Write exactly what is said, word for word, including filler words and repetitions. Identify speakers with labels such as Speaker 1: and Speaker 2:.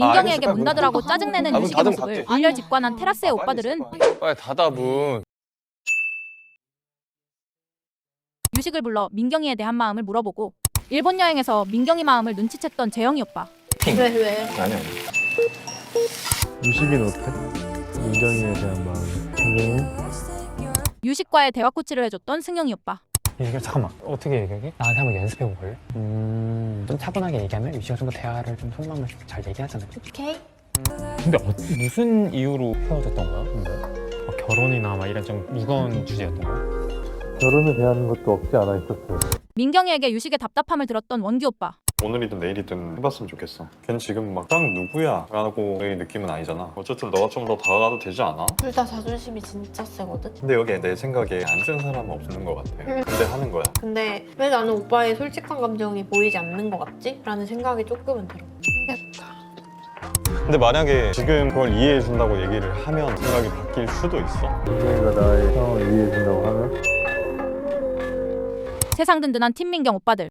Speaker 1: 민경이에게
Speaker 2: 알겠어,
Speaker 1: 문 닫으라고 짜증내는
Speaker 2: 아, 문
Speaker 1: 유식의
Speaker 2: 닫으면
Speaker 1: 모습을
Speaker 2: 닫게.
Speaker 1: 일렬 직관한 테라스의
Speaker 2: 아,
Speaker 1: 오빠들은
Speaker 2: 빨리, 빨리 닫아 문.
Speaker 1: 유식을 불러 민경이에 대한 마음을 물어보고 일본 여행에서 민경이 마음을 눈치챘던 재영이 오빠.
Speaker 3: 왜 왜?
Speaker 2: 아니 아니.
Speaker 4: 유식이는 어때? 민경이에 대한 마음. 민경이?
Speaker 1: 유식과의 대화 코치를 해줬던 승영이 오빠.
Speaker 5: 이게 잠깐만 어떻게 얘기하게? 나한테 한번 연습해 볼래? 음... 좀 차분하게 얘기하면 유시가 좀 더 대화를 좀 속마음을 잘 얘기하잖아.
Speaker 3: 오케이.
Speaker 5: 근데 어, 무슨 이유로 헤어졌던 거야? 근데? 어, 결혼이나 막 이런 좀 무거운 주제였던 거야?
Speaker 4: 결혼에 대한 것도 없지 않아 있었어요.
Speaker 1: 민경이에게 유식의 답답함을 들었던 원규 오빠.
Speaker 6: 오늘이든 내일이든 해봤으면 좋겠어. 걔는 지금 막 딱 누구야? 라고 의 느낌은 아니잖아. 어쨌든 너가 좀 더 다가가도 되지 않아?
Speaker 3: 둘 다 자존심이 진짜 세거든?
Speaker 6: 근데 여기 내 생각에 안 쓴 사람은 없는 것 같아. 근데 하는 거야.
Speaker 3: 근데 왜 나는 오빠의 솔직한 감정이 보이지 않는 것 같지? 라는 생각이 조금은 들어.
Speaker 6: 근데 만약에 지금 그걸 이해해준다고 얘기를 하면 생각이 바뀔 수도 있어.
Speaker 4: 민경이가 나의 상황을 이해해준다고 하면
Speaker 1: 세상 든든한 팀 민경 오빠들.